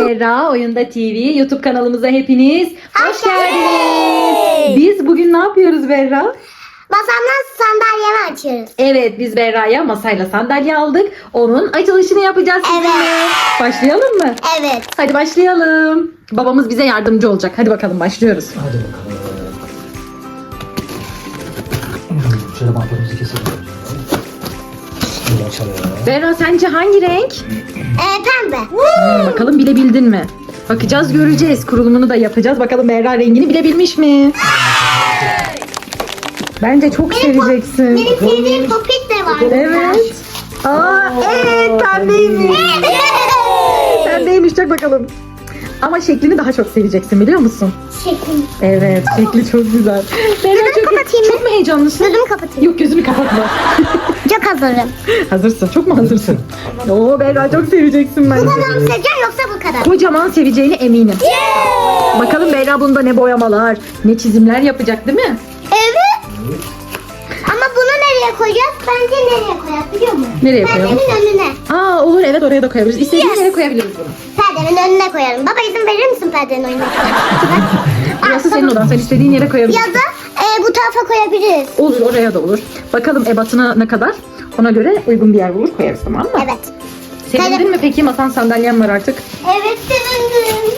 Berra Oyunda TV YouTube kanalımıza hepiniz hoş geldiniz. Biz bugün ne yapıyoruz Berra? Masamdan sandalyemi açıyoruz. Evet, biz Berra'ya masayla sandalye aldık. Onun açılışını yapacağız sizinle. Evet. Başlayalım mı? Evet. Hadi başlayalım. Babamız bize yardımcı olacak. Hadi bakalım başlıyoruz. Hadi bakalım. Şöyle bantlarımızı keselim. Şöyle açalım. Berra sence hangi renk? Pembe. Bakalım bilebildin mi? Bakacağız, göreceğiz. Kurulumunu da yapacağız. Bakalım Berra rengini bilebilmiş mi? Bence çok seveceksin. Benim sevdiğim popit de var. Evet. Aa, evet pembeymiş. Pembeymiş, çak bakalım. Ama şeklini daha çok seveceksin, biliyor musun? Şekil. Evet, şekli çok güzel. Berra kapatayım mı? çok mu heyecanlısın? Gözümü kapatayım. Yok, gözünü kapatma. Çok hazırım. Hazırsın, çok mu hazırsın? Oo Berra, çok seveceksin bence. Bu kadar mı seveceğim yoksa bu kadar? Kocaman seveceğine eminim. Bakalım Berra bunda ne boyamalar, ne çizimler yapacak, değil mi? Evet. Ama bunu nereye koyacağız? Bence nereye koyacağız biliyor musun? Nereye koyalım? Perdenin önüne. Aa olur, evet, oraya da koyabiliriz. İstediğin Yes. yere koyabiliriz bunu. Perdenin önüne koyalım. Baba izin verir misin perdenin önüne? Burası senin odan, sen istediğin yere koyabilirsin. Ya da bu tarafa koyabiliriz. Olur, oraya da olur. Bakalım ebatına ne kadar? Ona göre uygun bir yer bulur koyarız, tamam mı? Evet. Sevindin mi peki? Masan sandalyen var artık. Evet sevindim.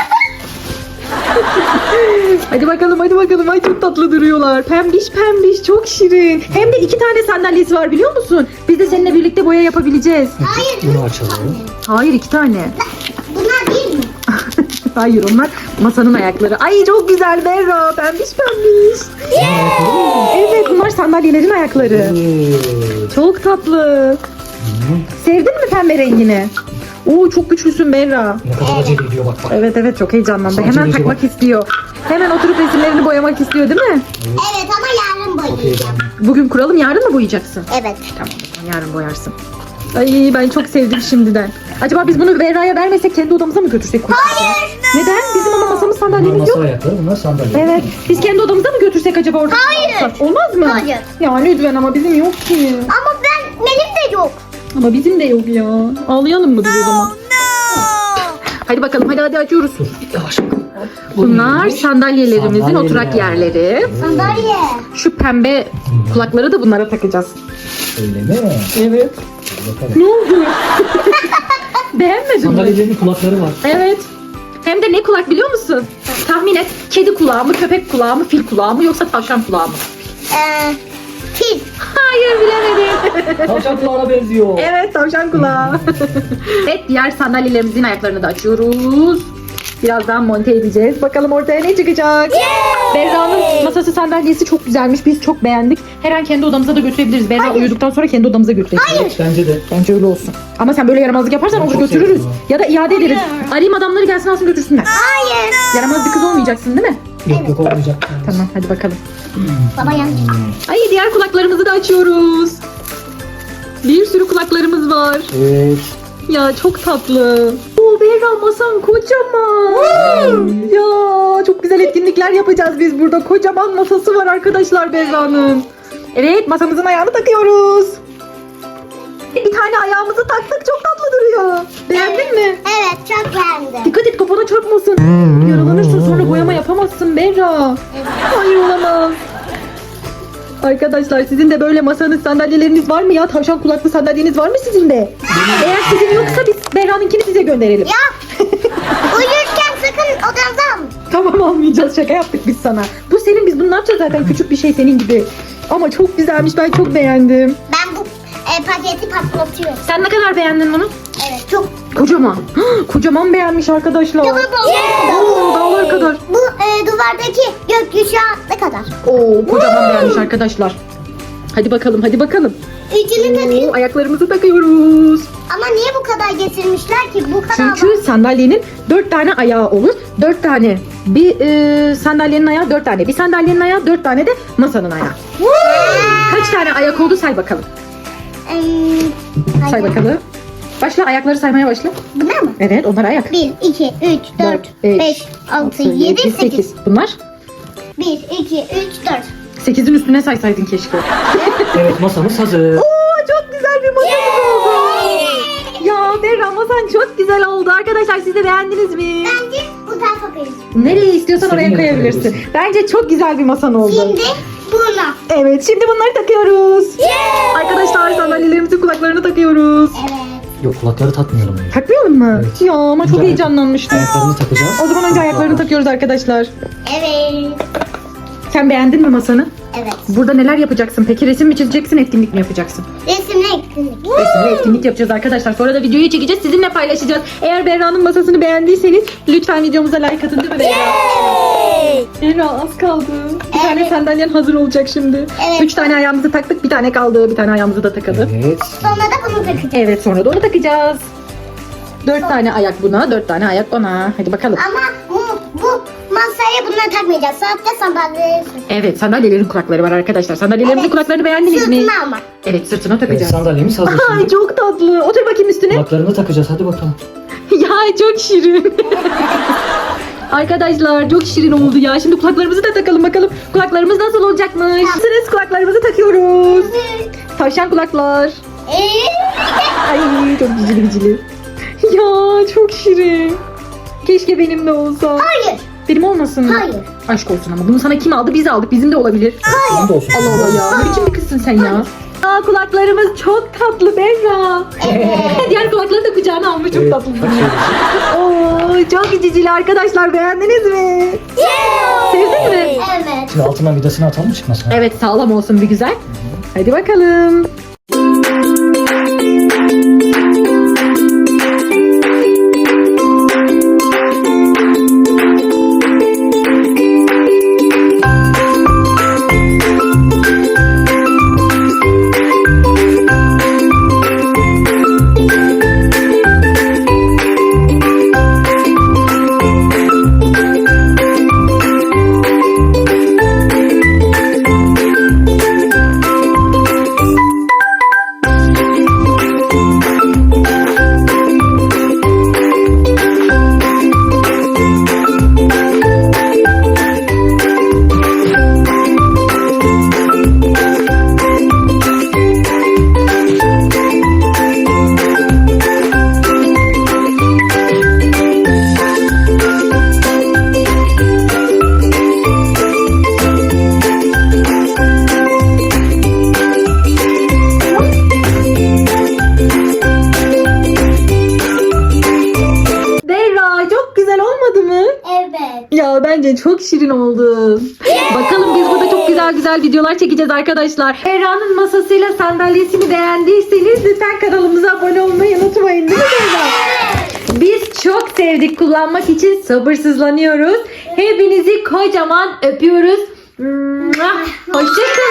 Hadi bakalım, hadi bakalım. Ay çok tatlı duruyorlar. Pembiş pembiş, çok şirin. Hem de 2 tane sandalyesi var, biliyor musun? Biz de seninle birlikte boya yapabileceğiz. Hayır. Bunu açalım. Hayır, 2 tane. Bunlar değil mi? Hayır, onlar masanın ayakları. Ay çok güzel Berra. Pembiş pembiş. Evet, bunlar sandalyelerin ayakları. Çok tatlı. Sevdin mi pembe rengini? Oo çok güçlüsün Berra. Ne kadar acele ediyor bak bak. Evet evet, çok heyecanlandı. Sanki Hemen acaba- takmak istiyor. Hemen oturup resimlerini boyamak istiyor, değil mi? Evet ama yarın boyayacağım. Bugün kuralım, yarın mı boyayacaksın? Evet. Tamam, o zaman yarın boyarsın. Ay ben çok sevdim şimdiden. Acaba biz bunu Berra'ya vermesek kendi odamıza mı götürsek? Hayır. Neden? Bizim ama masamız Bunlar sandalyemiz masa yok. ayakları, bunlar sandalye. Evet. Biz kendi odamıza mı götürsek acaba orada? Hayır. Olmaz mı? Hayır. Ya lütfen, ama bizim yok ki. Ama benim de yok. Ama bizim de yok ya. Ağlayalım mı biz o zaman? Hadi bakalım, hadi açıyoruz. Dur yavaş. Bunlar sandalyelerimizin Sandalyeler. oturak yerleri. Sandalye. Şu pembe kulakları da bunlara takacağız. Öyle mi? Evet. Bakalım. Ne oldu? Beğenmedin mi? Sandalyelerin kulakları var. Evet. Hem de ne kulak biliyor musun? Tahmin et. Kedi kulağı mı, köpek kulağı mı, fil kulağı mı, yoksa tavşan kulağı mı? Fil. Hayır, bilemedim. Tavşan kulağına benziyor. Evet, tavşan kulağı. Evet, diğer sandalyelerimizin ayaklarını da açıyoruz. Birazdan monte edeceğiz. Bakalım ortaya ne çıkacak? Berra'nın masası sandalyesi çok güzelmiş. Biz çok beğendik. Her an kendi odamıza da götürebiliriz. Berra uyuduktan sonra kendi odamıza götürebiliriz. Bence de. Bence öyle olsun. Ama sen böyle yaramazlık yaparsan Ben olur çok götürürüz. sevdim Ya da iade ederiz. Arayayım adamları, gelsin alsın götürsünler. Hayır. Yaramaz bir kız olmayacaksın, değil mi? Yok olmayacak. Tamam, hadi bakalım. Baba yanlış. Ay, diğer kulaklarımızı da açıyoruz. Bir sürü kulaklarımız var. Evet. Ya çok tatlı. Oo Berra, masan kocaman. Ya çok güzel etkinlikler yapacağız biz burada. Kocaman masası var arkadaşlar Berra'nın. Evet, masamızın ayağını takıyoruz. Bir tane ayağımızı taktık, çok tatlı duruyor. Beğendin mi? Evet çok beğendim. Dikkat et, kafana çarpmasın. Yaralanırsın, sonra boyama yapamazsın Berra. Hayır, olamaz. Arkadaşlar, sizin de böyle masanız, sandalyeleriniz var mı ya? Tavşan kulaklı sandalyeniz var mı sizin de? Eğer sizin yoksa biz Berra'nınkini size gönderelim. Ya. Uyurken sakın odanıza almayın. Tamam, almayacağız, şaka yaptık biz sana. Bu senin, biz bunu ne yapacağız zaten, küçük bir şey senin gibi. Ama çok güzelmiş, ben çok beğendim. Ben bu paketi patlatıyorum. Sen ne kadar beğendin bunu? Evet çok. Kocaman. Kocaman beğenmiş arkadaşlar. Oo, dağlar kadar. Bu duvardaki gökyüzü ne kadar? Oo, kocaman beğenmiş arkadaşlar. Hadi bakalım, hadi bakalım. Üçünü takayım. Oo, ayaklarımızı takıyoruz. Ama niye bu kadar getirmişler ki? Bu kadar Çünkü sandalyenin 4 tane ayağı olur. 4 tane. Bir sandalyenin ayağı 4 tane. Bir sandalyenin ayağı 4 tane de masanın ayağı. Kaç tane ayak oldu, say bakalım. Say bakalım. Başla, ayakları saymaya başla. Bunlar mı? Evet, onlar ayak. 1, 2, 3, 4, 5, 6, 7, 8. Bunlar 1, 2, 3, 4. 8'in üstüne saysaydın keşke. Evet masamız hazır. Oo, çok güzel bir masamız oldu. Ya Berra, masa masan çok güzel oldu. Arkadaşlar siz de beğendiniz mi? Bence bu tarafa koyalım. Nereye istiyorsan İstediğin oraya yere koyabilirsin. koyabilirsin. Bence çok güzel bir masan oldu. Şimdi buna. Evet, şimdi bunları takıyoruz. Arkadaşlar sandalyelerimizi kulaklarına takıyoruz. Evet. Yok kulakları takmıyorum. Takmayalım mı? Evet. Ya ama çok Önce heyecanlanmıştım. Ayaklarını takacağız. O zaman önce ayaklarını takıyoruz arkadaşlar. Evet. Sen beğendin mi masanı? Evet. Burada neler yapacaksın? Peki resim mi çizeceksin, etkinlik mi yapacaksın? Resimle etkinlik. Resim ve etkinlik yapacağız arkadaşlar. Sonra da videoyu çekeceğiz, sizinle paylaşacağız. Eğer Berra'nın masasını beğendiyseniz lütfen videomuza like atın, değil mi Berra? Berra az kaldı. Bir tane Evet. sandalyen hazır olacak şimdi. Evet. 3 tane ayağımızı taktık, bir tane kaldı. Bir tane ayağımızı da takalım. Evet. Sonra da bunu takacağız. Evet, sonra da onu takacağız. 4 tane ayak buna, 4 tane ayak ona. Hadi bakalım. Ama bu masaya bunları takmayacağız. Sadece sandalyeleri Evet, sandalyelerin kulakları var arkadaşlar. Sandalyelerimizin Evet. kulaklarını beğendiniz mi? sırtına ama. Evet, sırtına Evet, takacağız. sandalyemiz hazır Ay şimdi. çok tatlı. Otur bakayım üstüne. Kulaklarını takacağız hadi bakalım. Ya çok şirin. Arkadaşlar çok şirin oldu ya. Şimdi kulaklarımızı da takalım bakalım. Kulaklarımız nasıl olacakmış? Hazırız, kulaklarımızı takıyoruz. Tavşan kulaklar. Ay çok cicili bicili. Ya çok şirin. Keşke benim de olsa. Hayır. Benim olmasın mı? Hayır. Aşk olsun ama bunu sana kim aldı? Biz aldık. Bizim de olabilir. Senin de olsun. Allah Allah ya. Ne biçim bir kızsın sen ya? Aa, kulaklarımız çok tatlı Berra. Diğer kulakları da kucağına almış, çok Evet, tatlı. bak şöyle. Oo, çok cicili arkadaşlar, beğendiniz mi? Sevdin mi? Evet. Şimdi altından vidasını atalım çıkmasın. Evet, sağlam olsun bir güzel. Hadi bakalım. Berra çok güzel olmadı mı? Evet. Ya bence çok şirin oldu. Bakalım biz burada çok güzel güzel videolar çekeceğiz arkadaşlar. Berra'nın masasıyla sandalyesini beğendiyseniz lütfen kanalımıza abone olmayı unutmayın, değil mi Berra? Biz çok sevdik, kullanmak için sabırsızlanıyoruz. Hepinizi kocaman öpüyoruz. Hoşçakalın.